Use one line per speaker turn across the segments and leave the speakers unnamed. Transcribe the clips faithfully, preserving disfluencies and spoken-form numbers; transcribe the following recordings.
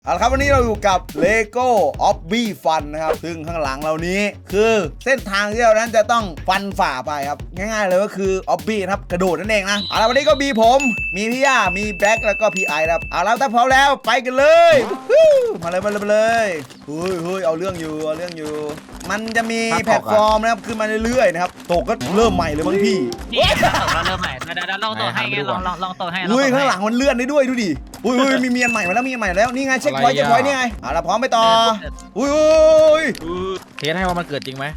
เอาละครับวันนี้เราอยู่กับ Lego Obby Fun นะครับซึ่งข้างหลังเรานี้คือเส้นทางที่เรานั้นจะต้องฟันฝ่าไปครับง่ายๆเลยก็คือ Obby นะครับกระโดดนั่นเองนะเอาละวันนี้ก็มีผมมีพี่ย่ามีแบล็คแล้วก็พี่ไอครับเอาละถ้าพร้อมแล้วไปกันเลยมาเลยมาเลยมาเลยเฮ้ยเฮ้ยเอาเรื่องอยู่เอาเรื่องอยู่มันจะมีแพลตฟอร์มนะครับขึ้นมาเรื่อยๆนะครับตกก็เริ่มใหม่เลยบางพี่
นี่ตกแล้วเริ่มใหม่เดี๋ยวลองตกให้ไงลองลองลองตกให้
อุ้ยข้างหลังมันเลื่อนได้ด้วยดูดิอุ้ยอุ้ยมีเมียนใหม่มาแล้วมีเมียนใหม่แล้วนี่ไงเช็คพอยต์เช็คพอยต์นี่ไงเอาละพร้อมไปต่ออุ้ยอุ้ย
เทสให้ว่ามันเกิดจริงไหม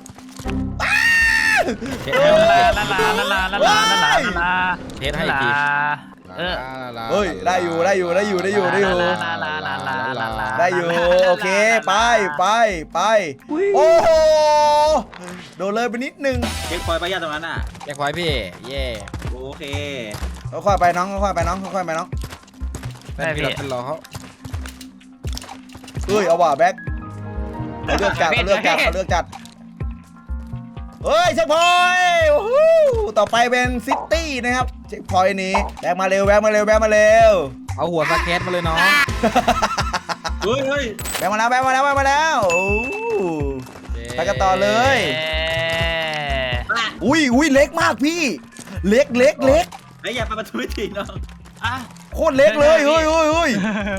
เทส
ลา
ให้
ลาลาลาลาลาลาลาลาลา
เทสให้อีกที
เออ
เฮ้ยได้อยู่ได้อยู่ได้อยู่ได้อยู่ได้อยู่
ลาลาลาลาลาลาลา
ได้อยู่โอเคไปไปไปโอ้โหโดนเลยไปนิดนึง
เช็คพอยต์ป้ายาตรงนั้นอ่ะ
แจ็คพอยต์พี่เย่
โอเค
ค่อยๆไปน้องค่อยๆไปน้องค่อยๆไปน้อง
นั่นพี่เราเป็นรอเขา
เฮ้ยเอาว่ะแบ็คเอาเลือกจัดเอาเลือกจัดเอาเลือกจัดเฮ้ยเช็คพอยต์โอ้โหต่อไปเป็นซิตี้นะครับเช็คพอยต์นี้แบกมาเร็วแบกมาเร็วแบกมาเร็ว
เอาหัวสแก็ตมาเลยน้อง
เฮ้ยเฮ้ย
แบกมาแล้วแบกมาแล้วแบกมาแล้วโอ้ไปกันต่อเลยอุ้ยอุ้ยเล็กมากพี่เล็กเล็กเล็ก
ไอ้ยอย่าไปประตูทีน้อง
อ่ะ
โคตรเล็กเลยเฮ้ยเฮ้ยเฮ้ย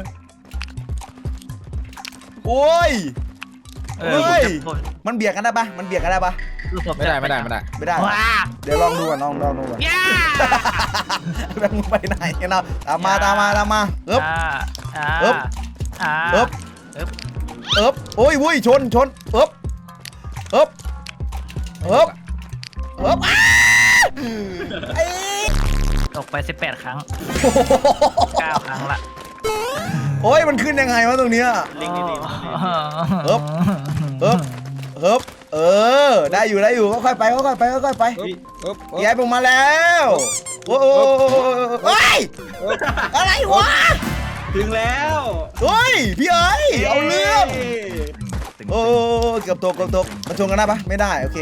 โอ้ย
เออ
เฮ้ยมันเบียดกันได้ปะมันเบียดกันได้ปะ
ไม่ได้ไม่ได้ไม่ได้
ไม่ได้
ว้า
เดี๋ยวลองดูก่อนลองลองดูก่อน
ย่า
แบงค์ไปไหนกันเนาะตามมาตามมาตามมาเอ๊บ
อ่า
เอิบ
อ่า
เอ๊บเอ๊บโอ้ยวุ้ยชนชนเอ๊บเอ๊บเอ๊บเอ๊บอ้าไอ้
ตกไปสิบแปดครั้งเก้าครั้งละ
โอ้ยมันขึ้นยังไงวะตรงเนี้ย
ลิงก์ดี
เอ๊บเอ๊บเอ๊บเออได้อยู่ได้อยู่ค่อยๆไปค่อยๆไปค่อยๆไป
ปึ๊บปึ๊บ
ย้ายผมมาแล้วโอ้โหเฮ้ยอะไรวะ
ๆถึงแล้ว
เฮ้ยพี่เอ้ยเอาเรื่องโอ้เกือบตกเกือบตกมันชนกันได้ปะไม่ได้โอเค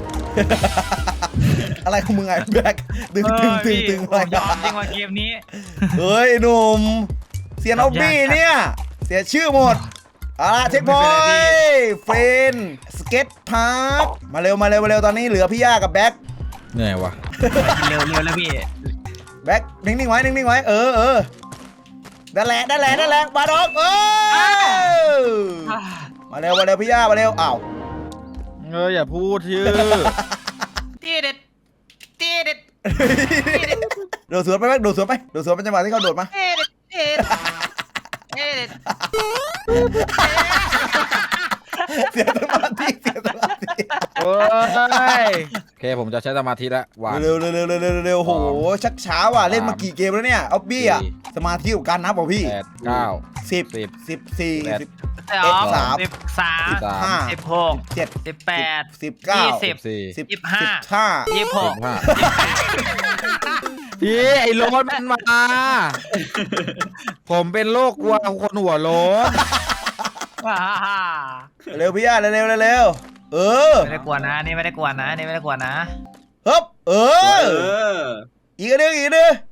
อะไรของมึงไงแบกตึงตึงตึงตึงอะไร
ยอมจริงว่าเกมนี้
เฮ้ยหนุ่มเสียนออบบี้เนี่ยเสียชื่อหมดเอาละเช็คพอยต์เฟรนสเก็ตพาร์คมาเร็วมาเร็วมาเร็วตอนนี้เหลือพี่ย่ากับแบ็ค
เหนื่อยวะ
เร็วเร็วแล้วพี่
แบ็คนิ่งๆไว้นิ่งๆไว้เออเออนั่นแหละนั่นแหละนั่นแหละมาดอกเออมาเร็วมาเร็วพี่ย่ามาเร็วอ้าว
เอออย่าพูดชื่อ
ตีเด็ดตีเด็ด
โดดสวนไปไหมโดดสวนไปโดดสวนเป็นจังหวะที่เขาโดดมา
ตีเด็ดตีเด็ดตีเด็ด
เสียสมาธิเสียสมาธิ
โอ้ยโอเคผมจะใช้สมาธิแล้วหวาน
เร็วเร็วเร็วเร็วเร็วเร็วโหชักช้าว่ะเล่นมากี่เกมแล้วเนี่ยออบบี้อ่ะสมาธิกับการนับป่ะพี่
แปดเก้า
สิบ
สิบ
สิบสี่สิบ
สอง
สาม
สิบสาม
สิบสาม
ห้า
สิบหก
เจ็ด
สิบแปด
สิบเก้า
ยี่สิ
สิบสี่
สิบ
ยี่สิบห้า
สิบห้า
ยี่สิบห
สิ
ก
บห้าพี่ไอ้โรถมันมา ผมเป็นโรคกลัวคนหัวโล้น
ว้า
เร็วพี่ย่าเร็วเร็วเร็วเร็วเออ
ไม่ได้กลัวนะนี่ไม่ได้กลัวนะนี่ไม่ได้กลัวนะ
ฮึบเอ
เอ
อ
อ
อีกอันหนึงอีกอันหนึง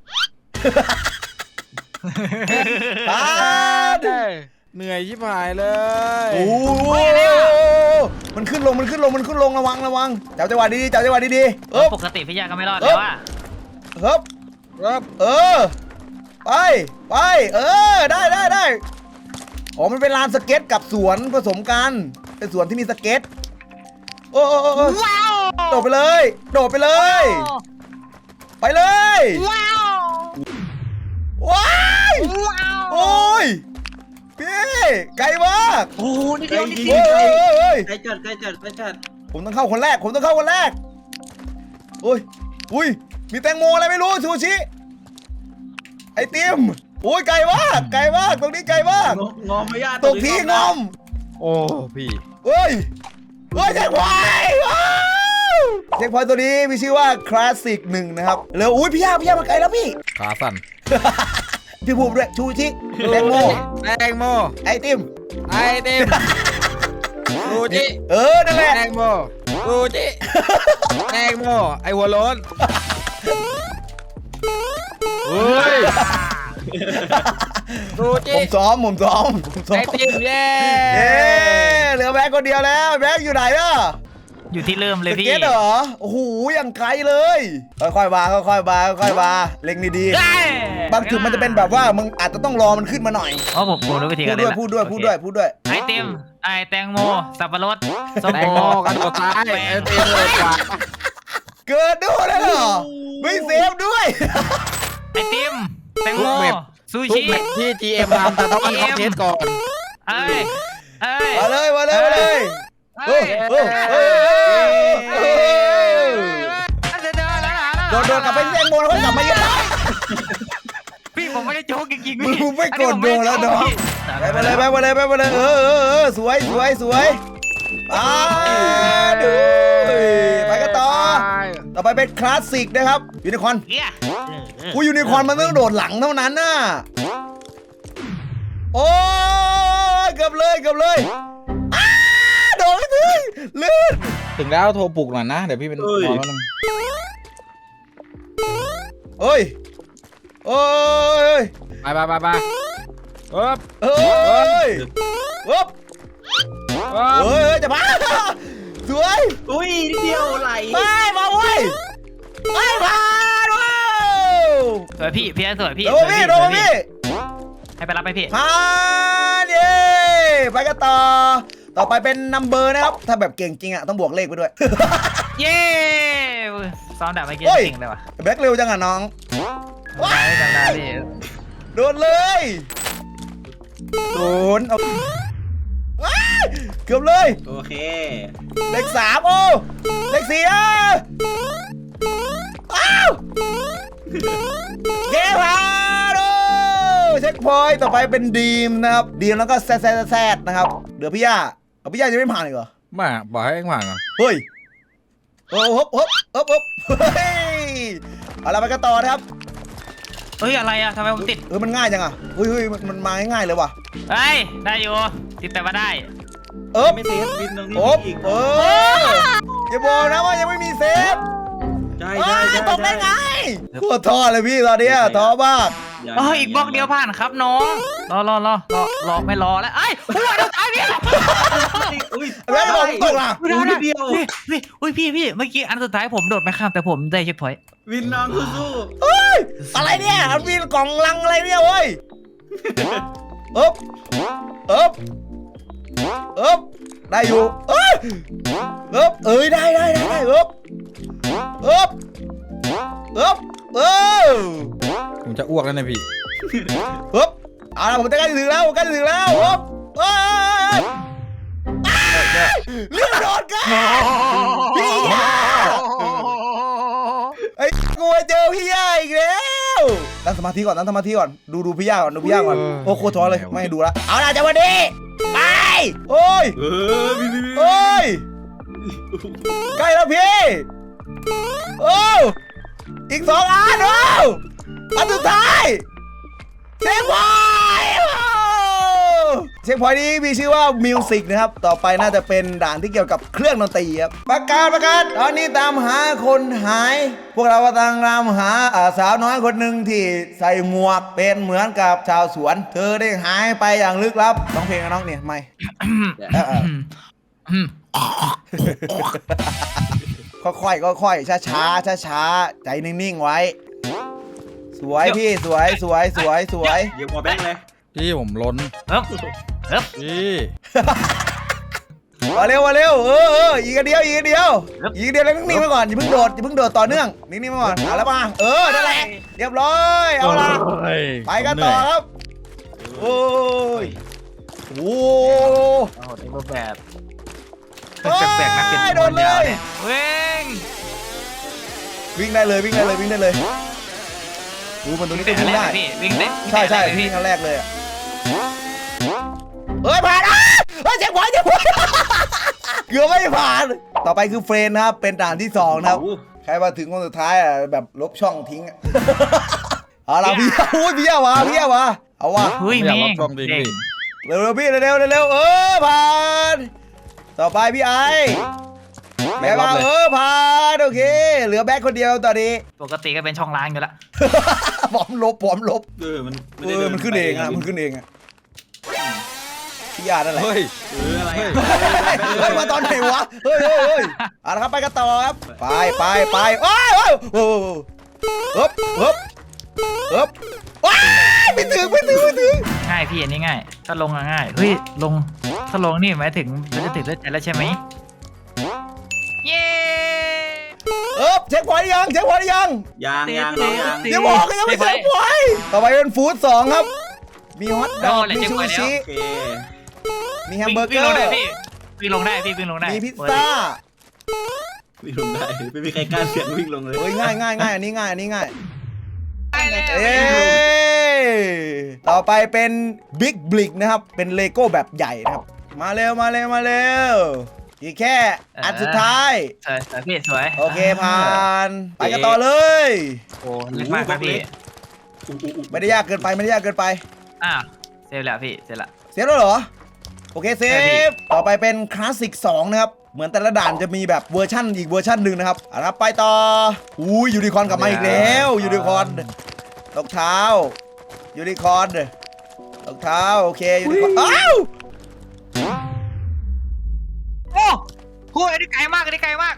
ตาด
เหนื่อยชิบหายเลย
โอ้โหมันขึ้นลงมันขึ้นลงมันขึ้นลงระวังระวังจับจังหวะดีๆจับจังหวะดีๆเอ๊บ
ปกติพี่ยาก็ไม่รอดแล้วอ่ะ
ฮึบ
ครับ
เออไปไปเออได้ได้ได้อ๋อมันเป็นลานสเก็ตกับสวนผสมกันเป็นสวนที่มีสเก็ตโอ้โอ้โอ้โอ้
ว้าว
โดดไปเลย โดดไปเลย ไปเลย
ว้าว
ว้าย
ว้าว
โอ้ยพี่ไกลมาก
โอ้โหนี่เดียวนี่
เฮ้ยเฮ้ยเฮ้ย
ใกล้จัดใกล้จัดใกล้จัด
ผมต้องเข้าคนแรกผมต้องเข้าคนแรกโอ้ยอุ้ยมีแตงโมอะไรไม่รู้ซูชิไอติมโอ้ยไกลมากไกลมากตรงนี้ไกลมาก
งงงอมไม่ยาก
ตกที่งอม
โอ้พี่
เฮ้ยเฮ้ยเช็คพอยต์ว้าวเช็คพอยต์ตัวนี้มีชื่อว่าคลาสสิกหนึ่งนะครับเร็วอุ้ยพี่ย่าพี่ย่ามาไกลแล้วพี่
ขาสั่น
พี่ภูมิด้วยชูชิแตงโม
แตงโม
ไอติม
ไอติมซูจิ
เออนั่นแหละ
แตงโมซูจิแตงโมไอหัวโล้นเฮ้ยดูจิ
ผมซ้อมผมซ้อมผมซ้อ
ไอ
ม
ติมเย้
เอ๊เหลือแบงค์คนเดียวแล้วแบงค์อยู่ไหนล่ะ
อยู่ที่เริ่มเลย
ส
พี่
เก็ตเหรอโอ้โหอย่างไกลเลยค่อยๆมาค่อยๆมาค่อยๆมาเล็งดี
ได้
ๆบางจุดมันจะเป็นแบบว่ามึงอาจจะต้องรอมันขึ้นมาหน่อย
อ๋อผมผมรู้วิธี
พู
กั
ด
น
ด้วยพูดด้วยพูดด้วยพูดด้วย
ไอเต็มไอแตงโมสับปะรดส้ม
แต
โอง
โมกันตัวซ้ายไอติมเลยกว่า
เกิดด้วยเลยเหรอไม่เซฟด้วย
ไอติมแตงโมซู
ทุก
ชิ
แมตช์ที่ จี เอ็ม ทำแต่ต้องเอาเทสก่อน
เอ้ยเอ้ย
มาเลยมาเลยมาเลย
เอ้ย
โอ้โหโดนโดนกลับไปเล่นโมแล้วก็กลับมาเยอะ
พี่ผมไม่ได้โจ๊กจริงๆ
มึ
พี่
งไม่กดโดนแล้วน้อง ไป
ไป
มาเลยไปมาเลยไปมาเลยเออเออเออสวยสวยสวยอ่าดูไปกันต่อต่อไปเป็นคลาสสิกนะครับยูนิคอร์น
เอี้ย
กูยูนิคอร์นมันต้องโดดหลังเท่านั้นน่ะโอ้ยเกือบเลยเกือบเลยอ้าโดดไม่ถึงลื่น
ถึงแล้วโทรปลุกหน่อยนะ เดี๋ยวพี่เป็นนอนแล้วนึง
เอ้ยโอ้ย
ไปไปไปไปเอ๊บ
เอ้ยเอ๊บ
เอ๊บ
เฮ้ยจะมาสวย
อุ้ยนิดเดียวไหล
ไม่มาเว้ยไม่ผ่านเว้ย
สวยพี่พี่สวยพี่
โดนพี่โดนพี่
ให้ไปรับไปพี่
ผ่านเย้ไปกันต่อต่อไปเป็นนัมเบอร์นะครับถ้าแบบเก่งจริงอ่ะต้องบวกเลขไปด้วย
เย้ซ้อมดาบเมื่อกี้
เฮ้ย
จริงเลยว่ะ
แบ็คเร็วจังอ่ะน้อง
ได้จำได้พี่
โดนเลยศูนย์เอาว้ายเกือบเลย
โอเค
เลขสามโอ้เลขสี่อ่ะอ้าวเกมผ่านโอ้เช็คพอยต์ต่อไปเป็นดีมนะครับดีมแล้วก็แซดแซดแซดนะครับเดี๋ยวพี่ย่าเอาพี่ย่าจะไม่ผ่านอีกเหรอ
มาบอกให้เอ็งผ่านก่อน
เฮ้ยโอ้ฮบฮบฮบฮบเฮ้ยเอาละไปกันต่อนะครับ
เฮ้ยอะไรอะทำไมผมติด
เออมันง่ายจังอ่ะเฮ้ยเฮ้ยมันมันมาง่ายๆเลยว่ะ
เฮ้ยได้อยู่ติดแต่ว่าได้
เอ๊บ
ไม่เซฟบินตรงนี้
โอ๊บ
อีก
เอออย่าบอกนะว่ายังไม่มีเซฟ
ใช่
เอ้
ใช่
ย
ใช่
ตกได้ไงโคตรท้อเลยพี่ตอนเนี้ยท้อมาก
เอออีกบล็อกเดียวผ่านครับน้องรอรอรอรอรอไม่รอแล้วไอ้หัวเดียวตายพี่
อุ้ย
แล้วจะบอกมึงตกล่ะ
อุ้ยนิดเดียว
พี่พี่อุ้ยพี่พี่เมื่อกี้อันสุดท้ายผมโดดไม่ข้ามแต่ผมได้เช็คพอยต์
วินน้องสู้
เฮ้ยอะไรเนี่ยมันมีกล่องลังอะไรเนี่ยเว้ยเอ๊บเอ๊บเอ๊บได้อยู่เอ้ยเอ๊บเอ้ยได้ได้ได้ได้เอ๊บเอ๊บเอ๊บเออ
ผมจะอ้วกแล้วนะพี่
เอ๊บเอาละผมใกล้จะถึงแล้วใกล้จะถึงแล้วเอ๊บเอ้ยเรื่องโดดกันพี่ยาไอ้กูไปเจอพี่ยาอีกแล้วตั้งสมาธิก่อนตั้งสมาธิก่อนดูดูพี่ยาก่อนดูพี่ยาก่อนโอ้โคตรท้อเลยไม่ให้ดูละเอาล่ะจังหวะนี้ไปโอ้ย
ๆเออพี่พี่พี่
โอ้ยใกล้แล้วพี่โอ้อีกสองอันโอ้อันสุดท้ายเช็คพอยต์เช็คพอยต์นี้มีชื่อว่ามิวสิกนะครับต่อไปน่าจะเป็นด่านที่เกี่ยวกับเครื่องดนตรีครับประกาศประกาศตอนนี้ตามหาคนหาย พวกเรากำลังตามหาอ่าสาวน้อยคนหนึ่งที่ใส่หมวกเป็นเหมือนกับชาวสวน เธอได้หายไปอย่างลึกลับน้องเพลงนะน้องเนี่ยไม่เออเออ ค่อยๆค่อยๆช้าๆช้าๆใจนิ่งๆไว้ สวยพี่สวยสวยสวยสวย
เดี๋ยวหัวแบงค์เลย
พี่ผมล้น
เอ๊บเอ๊บ
พี่
มาเร็วมาเร็วเออเอออีกอันเดียวอีกอันเดียวอีกอันเดียวแล้วนิ่งๆไว้ก่อนอย่าเพิ่งโดดอย่าเพิ่งโดดต่อเนื่องนิ่งๆไว้ก่อนเอาแล้วมาเออนั่นแหละเรียบร้อยเอาละไปกันต่อครับโอ้ยโอ้
โอ้โหในรูปแบบ
โอ้ย
แปลกๆนะเป็น
โดนเลย
เว้ง
วิ่งได้เลยวิ่งได้เลยวิ่งได้เลยดูมันตรงนี้ก็
แต่
วิ่ง
แร
ได้
กพี่วิ่งได้
ใช่ใช่
วิ่
วิ่
ง
ง
ได้
ครั้งแรกเลยอ่ะเฮ้ยผ่านอ่ะเฮ้ยเจ็บหัวเจ็บหัวเกือบไม่ผ่าน ต่อไปคือเฟรนนะครับเป็นด่านที่สองนะครับ
โอ้
ใครมาถึงคนสุดท้ายอ่ะแบบลบช่องทิ้งอ่ะ เอาละพี่อุ้ยพี่เอาวะพี่เอาวะเอาวะ
เฮ้ย
ไม่อยาก
แม่
รับ
ง
ช่องดี
เก่ง
พี่
เร็วๆพี่เร็วๆเร็วๆเออผ่านต่อไปพี่ไอแบ็คมาเออผ่านโอเคเหลือแบ็คคนเดียวตอนนี้
ปกติก็เป็นช่องล้างอยู่ละ
บอมลบบอมลบ
เออมัน
เออมันขึ้นเองอ่ะมันขึ้นเองอ่ะพี่ยานั่นแหละ
เฮ้ย
เอออะไรอ่ะ
เฮ้ยมาตอนไหนวะเฮ้ยเฮ้ยเฮ้ยเอาละครับไปกันต่อครับไปไปไปโอ้ยโอ้ยโอ้ยเฮ้ยเฮ้ยเฮ้ยว้ายไม่ถึงไม่ถึงไม่ถึง
ง่ายพี่อันนี้ง่ายถ้าลงอะง่ายเฮ้ยลงถ้าลงนี่หมายถึงมันจะถึงเลือดใจแล้วใช่ไหมเย้
เออเช็คพอยต์ยังเช็คพอยต์ยัง
ยางยางน้องยาง
อย่าบอกก็ยังไม่เช็คพอยต์ต่อไปเป็นฟู้ดสองครับมีฮอทดอกมีชูชิ
โอเค
มีแฮมเบอร์เก
วิ่ง
อ
ลงได้
ร์
พี่วิ่งลงได้พี่วิ่งลงได้
มีพิซซ่า
วิ่งลงได้ไม่มีใครกล้าเสี่ยงวิ่งลงเลย
เฮ้ยง่ายง่ายง่ายอันนี้ง่ายอันนี้ง่าย
ได้เลย
เอ้ต่อไปเป็นบิ๊กบลิกนะครับเป็นเลโก้แบบใหญ่นะครับมาเร็วมาเร็วมาเร็วอีกแค่อันสุดท้าย
สวยสวยพี่สวย
โอเคผ่านไปกันต่อเลย
โอ้เล็กมากครับพี่
ไม่ได้ยากเกินไปไม่ได้ยากเกินไป
อ่ะเซฟแล้วพี่เสร็จละ
เซฟแล้วเหรอโอเคเซ
ใช่พี่
ฟต่อไปเป็นคลาสสิกสองนะครับเหมือนแต่ละด่านจะมีแบบเวอร์ชั่นอีกเวอร์ชั่นหนึ่งนะครับเอาละไปต่ออุ้ยยูนิคอร์นกลับมาอีกแล้วยูนิคอร์นรองเท้ายูนิคอร์นรองเท้าโอเคยูนิคอร์นอ้าว
โอ้โหอันนี้ไกลมากอันนี้ไกลมาก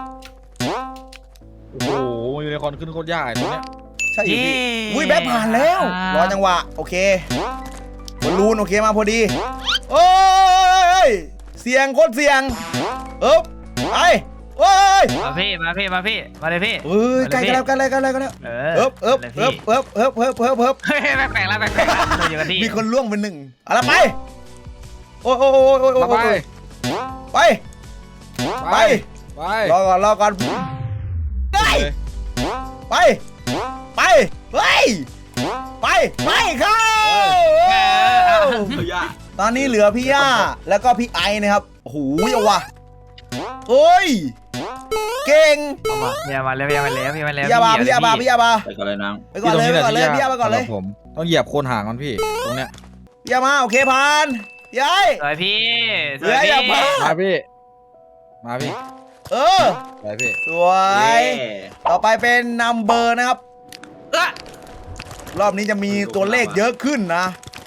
โอ้โหยูนิคอร์นขึ้นโคตรยากไอ้ตัวเนี้ย
ใช่พี่อุ้ยแบ็คผ่านแล้วรอจังหวะโอเคบอลลูนโอเคมาพอดีโอ้ยเสียงโคตรเสียงเอ๊บไปโอ้ย
มาพี่มาพี่มาพี่มาเลยพี่
เฮ้ยใกล้กันแล้วใกล้กันแล้วใกล้กันแล้ว
เอ
เอ๊บเอ๊บ
มา
เอ๊
ล
บ
ย
เอ๊บเอ๊บเอ๊บเอ๊บเอ๊บเอ๊บ
พี่เฮ้ยแปลกๆแล้วแปลกๆแล้วเราอยู่กันที่
มีคนล่วงเป็นหนึ่งเอาละไปโอ้ยโอ้ยโอ้ยโอ้ยโอ้
ไป
ยไปไป
ไป
รอก่อนรอก่อนได้ไปไปเฮ้ยไปไปเข้า
เออ
เฮ้ยอ่ะ
ตอนนี้เหลือพี่ย่าแล้วก็พี่ไอนะครับโอ้โหเอาว่ะเฮ้ยเก่ง
เอามาพี่มาแล้วพี่มาแล้วพี่มาแล้ว
พี่ยาบาพี่ยาบาพี่ยาบา
ไปก่อนเลยน้อง
ไปก่อนเลยไปก่อนเลยพี่ยาไปก่อนเลย
สำหรับผมต้องเหยียบโคนหางมันพี่ตรงเนี้ย
พี่ยามาโอเคผ่านยาย
สวยพี่ส
เฮ้
วย
ยอย่าพลา
มา
ด
พี่มาพี่
เออ
ไปพี่
สวย
เย้
ต่อไปเป็นนัมเบอร์นะครับ
เอ้อ
รอบนี้จะมีตัวเลขเยอะขึ้นนะ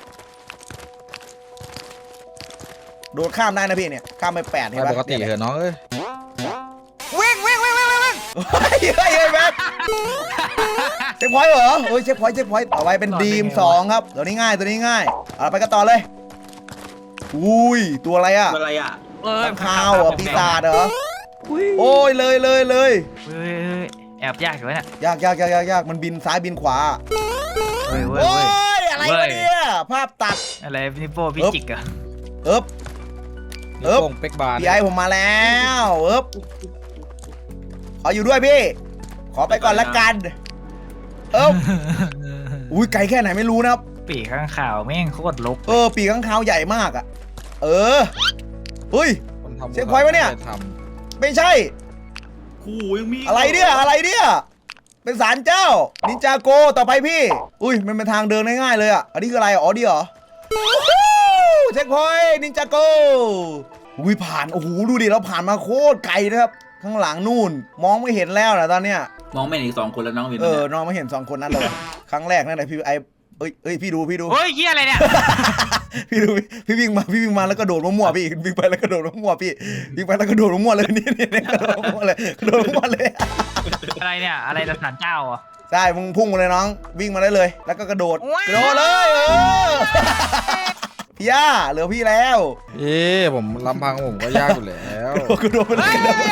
โดดข้ามได้นะพี่เนี่ยข้ามไปแปดเห็น
ไป
ไหม
ปกติเหรอะน้องเอ้ย
วิ่งวิ่งวิ่งวิ่งวิ่งวิ่งเฮ้ยเฮ้ยเฮ้ยแม็กเช็คพอยต์เหรอโอ้ยเช็คพอยต์เช็คพอยต์ต่อไปเป็นดีมสองครับตัวนี้ง่ายตัวนี้ง่ายเอาไปกันต่อเลยอุ้ยตัวอะไรอ่ะ
อะไรอ่ะ
เอ้ย
ข้างคาวเหรอปีศาจเหรอโอ้ยเลยเลยเลย
เฮ้ยเฮ้ยแอบยากอยู่วะเนี่ย
ยากยากยากยากยากมันบินซ้ายบินขวา
เฮ้ยเว้ย
โอ้
เว้ย
ยอะไรวะเนี่ยภาพตัด
อะไรนี่โป้พี่จิกเหรอะ
เอ๊บ
นิ้วโป้งเป๊กบาร์
พี่ไอผมมาแล้วเอ๊บขออยู่ด้วยพี่ ขอไปก่อนละกันเอ๊บอุ้ยไกลแค่ไหนไม่รู้นะครับ
ปีกข้างข่าวแม่งโคตรลก
เออปีกข้างคาวใหญ่มากอ่ะเออเฮ้ย
คนทำ
เช็คพอยต์ปะเนี่ย
ท
ไม่ใช่
คู่ยังมี
อะไรเนี่ยอะไรเนี่ยเป็นศาลเจ้านินจาโกต่อไปพี่อุ้ยมันเป็นทางเดินง่ายๆเลยอ่ะอันนี้คืออะไรอ๋อดีเหรอเช็คพอยต์นินจาโกอุ้ยผ่านโอ้โหดูดิเราผ่านมาโคตรไกลนะครับข้างหลังนู่นมองไม่เห็นแล้วนะตอนเนี้ย
มองไม่เห็นอีกสองคนแล้วน้องวิน
เออน้องไม่เห็นสองคนนั้นเลยครั้งแรกนั่นแหละพี่ไอเอ้ยเอ้ยพี่ดูพี่ดู
เฮ้ยเฮียอะไรเนี่ย
พี่ดูพี่วิ่งมาพี่วิ่งมาแล้วก็โดดมั่วๆพี่วิ่งไปแล้วก็โดดมั่วๆพี่วิ่งไปแล้วก็โดดมั่วๆเลยนี่นี่นี่กระโดดมั่วๆเลยกระโดดมั่วๆเลย
อะไรเนี่ยอะไรสถานเจ้าอ่ะ
ใช่มึงพุ่งมาเลยน้องวิ่งมาได้เลย แล้วก็กระโดด
ว้าว
กระโดดเลยเออพี่ย่าเหลือพี่แล้ว
ำเอ๊ะผมลำพังผมก็ยากอยู่แล้ว
กระโดดไปเลยกระโดด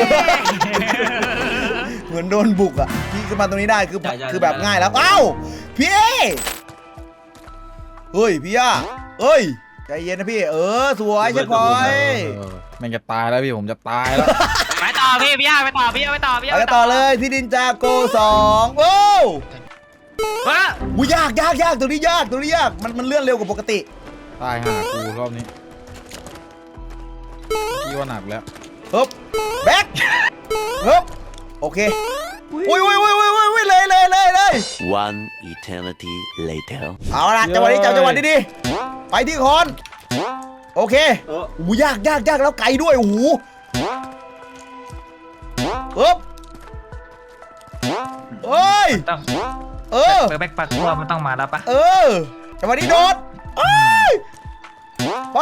เหมือนโดนบุกอ่ะพี่ขึ้นมาตรงนี้ได้คือคือแบบง่ายแล้วเอ้าพี่เฮ้ยพี่ย่าเฮ้ยใจเย็นนะพี่เออสวยเช็คพอยต์
เออแมันจะตายแล้วพี่ผมจะตายแล้ว
ไปต่อพี่พี่ย่าไปต่อพี่ย่าไปต่อพี่ย่า
ไปกันต่อเลยที่ดินจาโกสองโอ้
เฮ้ย
หูยากยากยากตัวนี้ยากตัวนี้ยากมันมันเลื่อนเร็วกว่าปกติ
ตายหากูรอบนี้พี่ว่าหนักแล้ว
ฮึบแบ็คฮึบโอเคอุ้ยอุ้ยอุ้ยอุ้ยอุ้ยเลยเลยเลยเลย
One eternity later.
เอาละจังหวะนี้จังจังหวะนี้ดีไปที่คอนโอเค
เออ
หูยากยากยากแล้วไกลด้วยโอ้โหปึ๊บเอ้ย
ต้อง
เออ
เปิดแบ็คปักตัวมันต้องมาแล้วปะ
เออจังหวะนี้โดดเอ้ยไป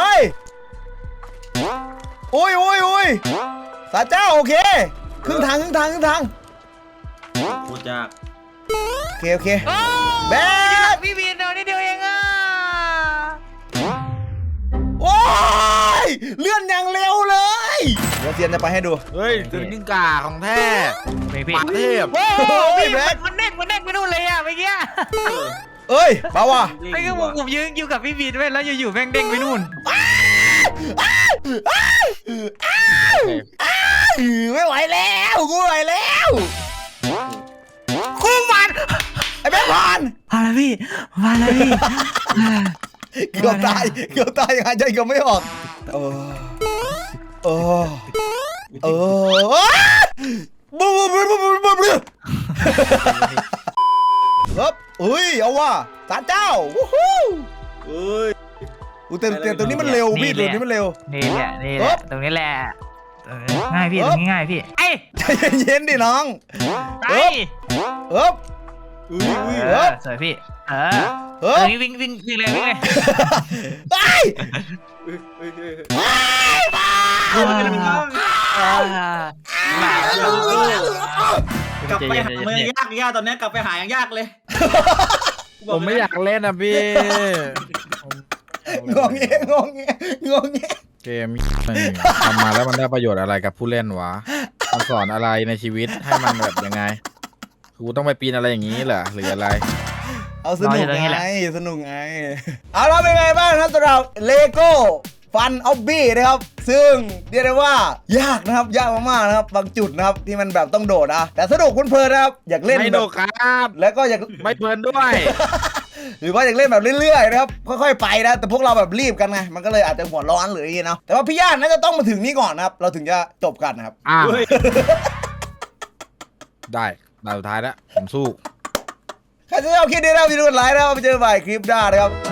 โอ้ยโอ้ยโอ้ยสาเจ้าโอเคครึ่งทางครึ่งทางครึ่งทาง
โคตรยาก
โอเคโอเคแบก
พี่บีนเดียวนิดเดียวเองอ่ะ
โอ้ยเลื่อนอย่างเร็วเลยเดี๋ยวเซียนจะไปให้ดู
เฮ้ยถึงยิ่งกาของแท้
พี่พี่
หมาเทพ
โอ้
โอ้ย
พี่
แบ็ค
มันเด้งมันเด้งไปนู่นเลยอ่ะเมื่อกี้
เออ
เอ้ยมาว่ะ
ไม่ก็ผมผมยืนอยู่กับพี่บีนไว้แล้วอยู่ๆแม่งเด้งไปนู่น
ไม่ไหวแล้วกูไม่ไหวแล้ว
คู่มัน
ไอ้แบงค์พาน
มาแล้วพี่มาแล้วพี่
เกือบตายเกือบตายยังหายใจเกือบไม่ออกเออเออเออบูบูบูบูบูบูครับเฮ้ยเอาว่ะสารเจ้าวู้ฮู้
เอ้ย
อุ้ยแต่แต่ตัวนี้มันเร็วพี่ตัวนี้มันเร็ว
นี่แหละนี่แห
เอ๊
ละ
บ
ตรงนี้แหละเออง่ายพี่
เอ๊
ต
บ
รงนี้ง่ายพี่ไอ้
ใจเย็นๆดิน้อง
ไป
เอ๊บเอ๊บ
อุ้ยอุ้ย
เออสวยพี่เออ
เอ๊
เออบ วิ่งวิ่งวิ่งเลยวิ่งเลย
ไป
อุ้ยอุ้ยอุ้ย
อ่าอ่าหมาแล้วเหรอก
ลับไปหาเมืองยากยากตอนนี้กลับไปหายังยากเลย
ผมไม่อยากเล่นนะพี่
งงเงี้ยงงเงี้ยงงเงี้ย
เกมนี่ทำมาแล้วมันได้ประโยชน์อะไรกับผู้เล่นวะมันสอนอะไรในชีวิตให้มันแบบยังไงกูต้องไปปีนอะไรอย่างนี้เหรอหรืออะไร
เอาสนุกไงสนุกไงเอาเราเป็นไงบ้างครับสำหรับเลโก้ฟันออบบี้นะครับซึ่งเรียกได้ว่ายากนะครับยากมากๆนะครับบางจุดนะครับที่มันแบบต้องโดดนะแต่สนุกเพลินๆนะครับอยากเล่น
ไม่
แบ
โด
บ
ครับ
แล้วก็อยาก
ไม่เพลินด้วย
หรือว่าอยากเล่นแบบเรื่อยๆนะครับค่อยๆไปนะแต่พวกเราแบบรีบกันไงมันก็เลยอาจจะหัวร้อนหรืออย่างงี้เนาะแต่ว่าพี่ย่านน่าจะต้องมาถึงนี้ก่อนนะครับเราถึงจะจบกันนะครับ
อ่า
เฮ้ย
ได้ดาวสุดท้ายแล้วผมสู้
ใครจะเอาคลิปนี้นะครับวิดีโอไลค์นะครับไปเจอกันใหม่คลิปหน้านะครับ